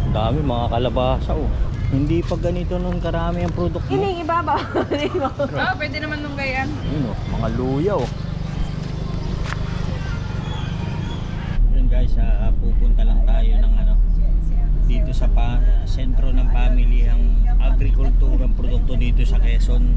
Dami mga kalabasa oh. Hindi pa ganito nun karami ang produkto. Ining ibabaw. Pwede naman nung gayan. Yun oh, mga luya oh. Yun guys, pupunta lang tayo ng ano dito sa sentro ng pamilihang agrikultura ang produkto dito sa Quezon.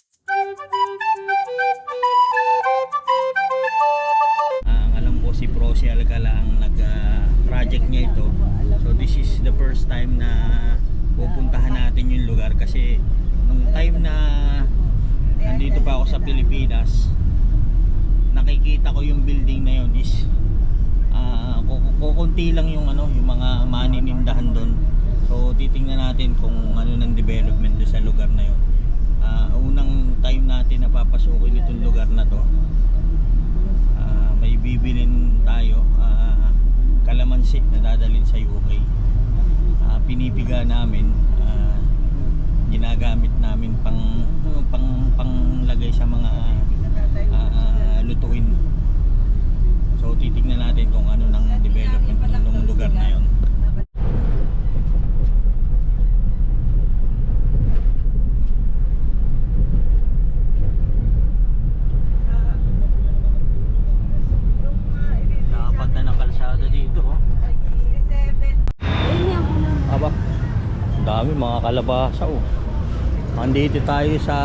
Ang alam ko si Prosi Alcala ang nag-project niya ito. So this is the first time na pupuntahan natin yung lugar kasi nung time na nandito pa ako sa Pilipinas, nakikita ko yung building na yun is kukunti lang yung ano, yung mga maninindahan doon. So titingnan natin kung ano ng development doon sa lugar na yun. Unang time natin na papasukin itong lugar na to, may bibilin tayo kalamansi na dadalhin sa UK. Pinipiga namin, ginagamit namin panglagay sa mga lutuin. So titingnan natin kung ano ng development ng lugar na yon. Dapat na ng kalsada dito oh. Aba, dami mga kalabasa oh. Andito tayo sa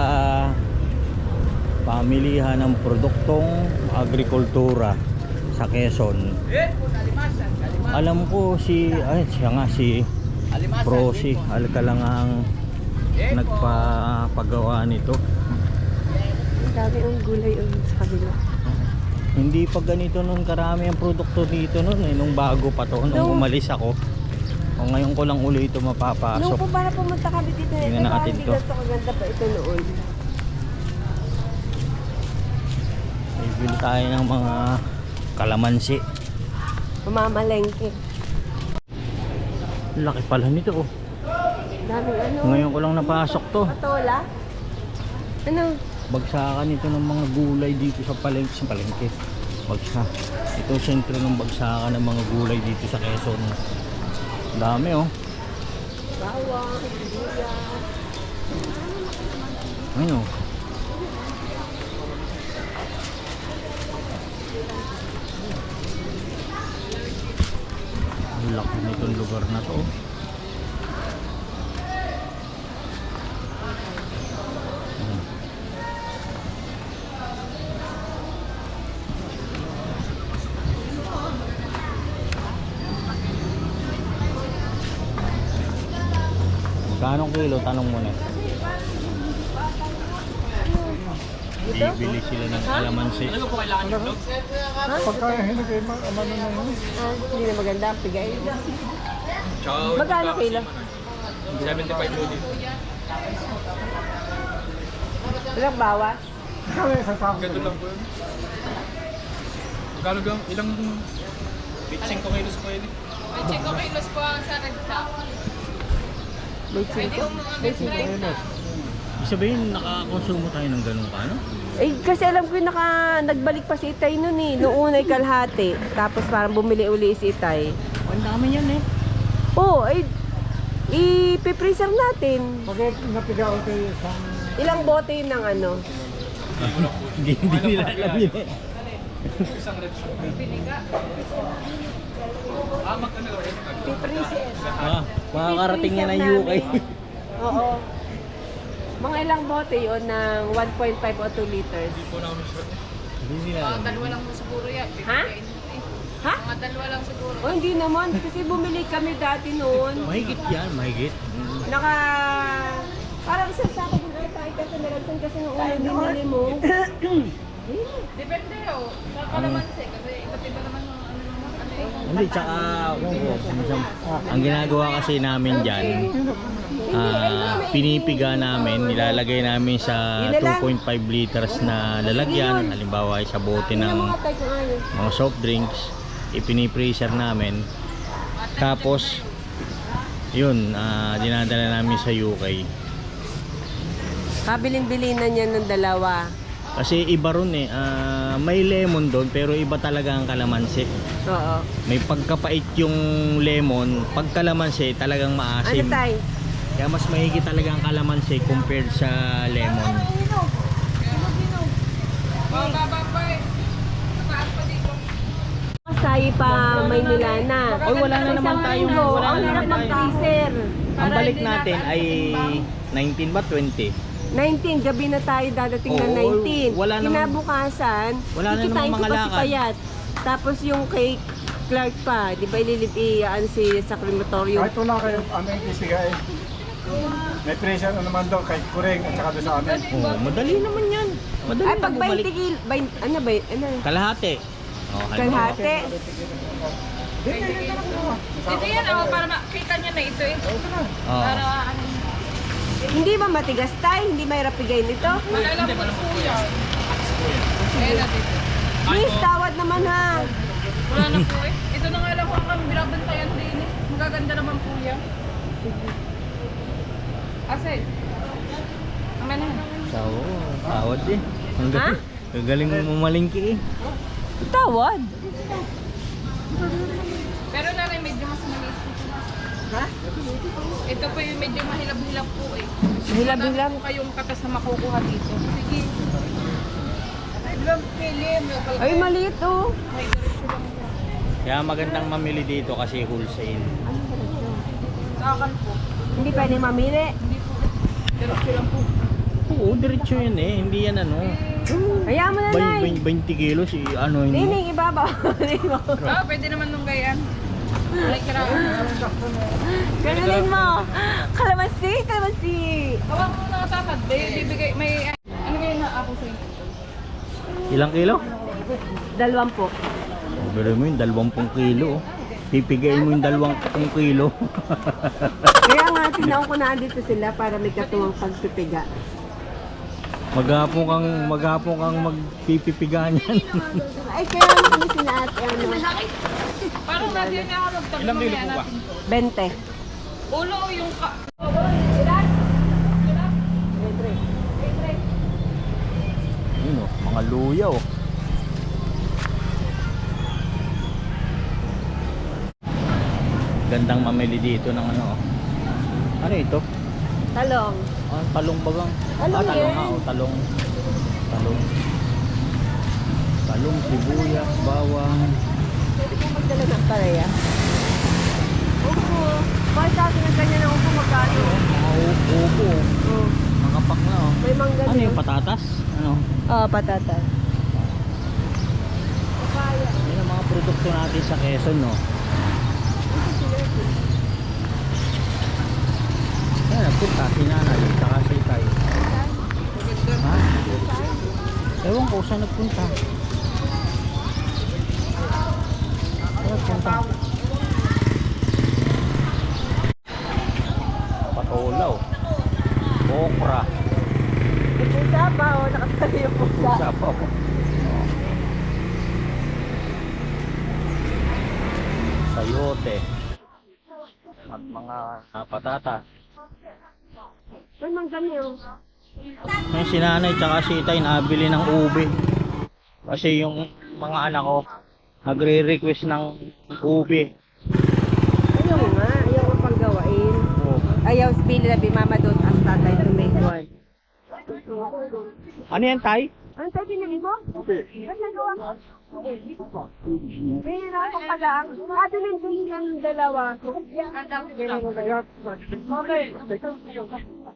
pamilihan ng produktong agrikultura sa Quezon. Alam ko siya nga si Prosi Alcala ang nagpapagawa nito. Ang dami ang gulay sa kabila. Hindi pa ganito nun karami ang produkto dito nun nung bago pa to, nung umalis ako. O ngayon ko lang uli ito mapapasok. Nung po para pumunta kami dito, tingnan natin to. Ganito kaganda pa ito noon. Bibili tayo ng mga kalamansi. Pamamalengke. Laki pala nito oh. Daming ano. Ngayon ko lang napasok to. Patola. Ano? Bagsakan ito ng mga gulay dito sa palengke. Bagsa. Ito sentro ng bagsakan ng mga gulay dito sa Quezon. Dami oh. Bawang, sibuyas. Ano? Ang laki nitong lugar na to. Kanong kilo? Tanong mo na. Bibili sila ng kalamansi. Pagka hinagay amano na yun. Hindi na maganda ang pigay. Magkano kilo? 75 yun. Ilang bawas? Kaya sa sako. Ganito lang po yun. Magkano gang? Ilang 5 kilos po yun? 5 kilos po ang sa nagsa. May chiko. May chiko. Ibig sabihin, nakakonsumo tayo ng ganun ka, no? Eh, kasi alam ko yung nagbalik pa si Itay nun eh. Noong una'y kalahati. Tapos parang bumili uli si Itay. Ang dami yan eh. Oo, ay ipipreserve natin. Pag napigaw kayo sa... Ilang bote yun ng ano? Hindi nila alam yun eh. Isang red shot. Magkano ba yun? Pipreserve. Makakarating yan ng UK. Oo. Mga ilang bote yun ng 1.5 o 2 liters. Hindi po na kami shot. Hindi nila Mga alam. dalawa lang po siguro yan. Ha? Ha? Mga dalawa lang siguro. O hindi naman. Kasi bumili kami dati noon. Mahigit yan, mahigit. Parang sa sako kung tayo kasi nalagsan kasi nung una binili mo. Depende oh. Sa kalamansi. Kasi iba't iba naman ang ano yung Hindi, tsaka ang ginagawa kasi namin dyan, pinipiga namin, nilalagay namin sa 2.5 liters na lalagyan, halimbawa sa bote ng mga soft drinks, ipinipreser namin, tapos yun, dinadala namin sa UK. Kabiling-bili na niya ng dalawa. Kasi iba ron eh, may lemon doon pero iba talaga ang kalamansi. Oo. May pagkapait yung lemon, pag kalamansi talagang Ano maasim. tay? Kaya mas mahigit talaga ang kalamansi compared sa lemon. Oh, baba pa eh. Mataas pa dito. Mas tayo pa Maynila na. Oy, wala na naman tayong wala Ang na hirap naman tayong. mag-freezer. Ang balik natin ay 19 ba 20? 19, gabi na tayo dadating na Oo, 19. wala naman- Kinabukasan, wala na kikitain namang ko mga pa si lakad. Payat. Tapos yung kay Clark pa, di ba ililipiyaan si sa crematorium. Kahit wala kayo, ano yung bibigay. May presyo na naman daw kay Kureng at saka doon sa amin. Oh, madali naman 'yan. Madali Ay, na pag 20 bumalik. kilo, ano ba, ano? Kalahati. Oh, Kalahati. Ito yan, oh, para makita niya na ito eh. Oh. Para ano. Hindi ba matigas tayo? Hindi mahirap bigay nito? Alam ko po yan. Ayan na dito. Please, tawad naman ha. Wala na po eh. Ito na nga lang po ang binabantayan din eh. Magaganda naman po yan. Ase. Amen na. Tawad eh. Ang Ha? galing mo malingki eh. Tawad? Pero na rin medyo mas maliit po. Ha? Ito po yung medyo mahilab-hilab po eh. Mahilab-hilab? Wala po kayong katas na makukuha dito. Sige. Ay, maliit oh. May diretso lang po. Kaya magandang mamili dito kasi wholesale. Sa akin po. Hindi pwede mamili. Hindi po. Diretso lang po. Oo, diretso yun eh. Hindi yan ano. Kaya mo na, Nay. 20 kilos ano yun. Nining, ibabaw. Ah, pwede naman nung gayaan. Ay, karaan. Ganunin mo. Kalamansi, kalamansi. Hawak mo na tatad. Bibigay, may, ano ngayon na ako sa'yo? Ilang kilo? 20. Pero mo yung 20 kilo. Pipigayin mo yung 20 kilo. Kaya nga, tinaon ko na andito sila para may katuwang pagpipiga. Maghapon kang magpipipigaan yan. Ay, kaya nga kami sila ate, ano, Parang natin niya ako magtabi Ilang kilo mamaya po ba? natin. 20. Ulo yung ka... Yun oh, mga luya oh. Gandang mamili dito ng ano oh. Ano ito? Talong. Talong bagang. Talong talong yan. nga oh, talong. Talong, sibuyas, bawang. Pwede po magdala ng pareya. Upo. Bakit sa akin ang ganyan ng upo magkano? Mga upo oh. Oh. Mga pak na oh. May mangga Ano din. yung patatas? Ano? Oo, patatas. Yun ang mga produkto natin sa Quezon no. Yan, nagpunta si nanay, saka si tay. Ha? Ewan ko saan nagpunta. Saan nagpunta? Patolaw. Okra. Yung pusa pa, oh, nakatali yung pusa. Sapaw. Sayote. At mga patatas. May mangga niyo. Yung si nanay tsaka si tay nabili ng ube. Kasi yung mga anak ko nagre-request ng ube. Ayaw nga, ayaw ko pang gawain. Oh. Ayaw spili na mama doon as tatay to make one. Ano yan tay? Ano tayo pinili mo? Ba't nagawa mo? May ako pala ang ato ng dalawa. Okay.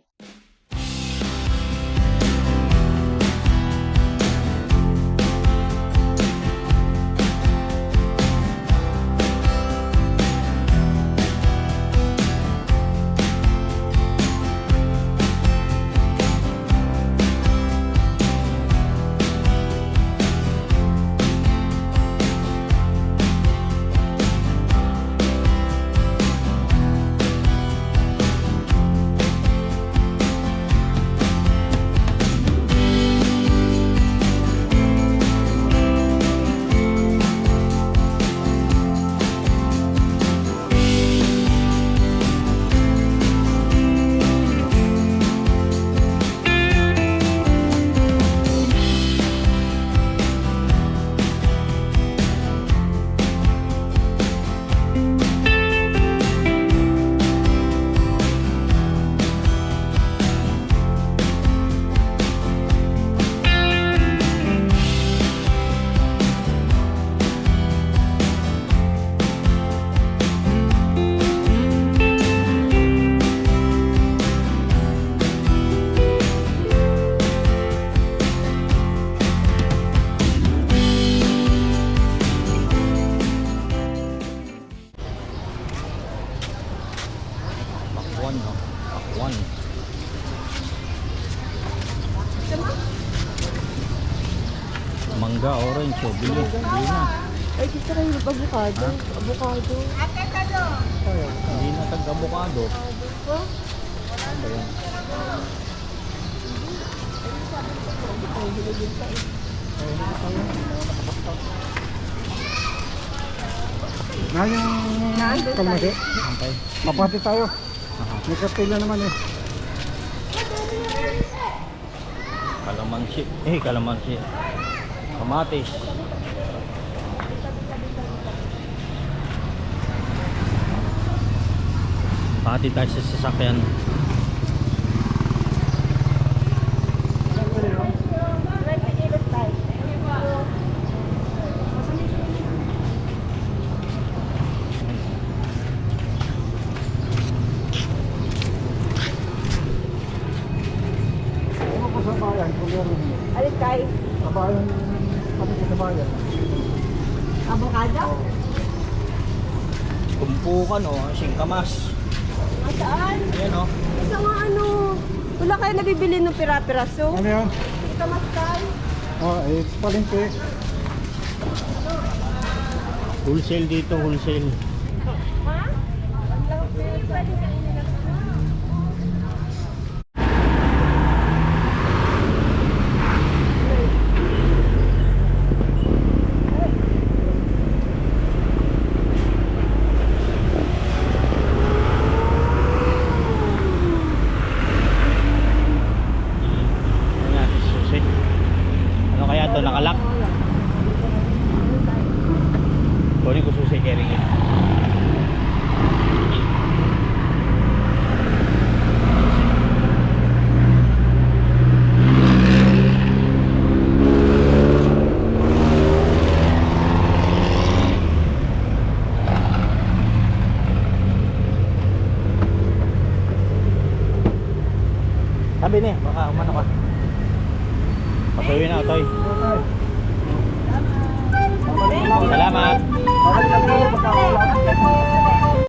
Pakwan, no? Pakwan. Mangga, orange, oh. Bili na. Ay, gusto kayo yung avocado. Avocado. Hindi na tag-avocado. Oh? Ano ba yan? Na yung kalmasi. Okay. Kapati tayo. May kartila naman eh. Kalamansi. Kalamansi. Kamatis. Pati tayo sa sasakyan. Ano ko sa bayan? Kung meron mo. Alin kayo? Sa bayan, kami sa bayan. Avocado? Tumpukan, oh. Singkamas. Saan? Ayan, oh. Isa nga ano. Wala kayo nabibili ng pira-piraso? Ano yan? Ika maskay. Palengke. Wholesale dito, wholesale. Ha? Ayan, susi. Ano kaya to? Nakalak? Kunin ko susi, carry it. Sabi niya, baka umano ka. Pasuyin na, Toy. Salamat. Salamat.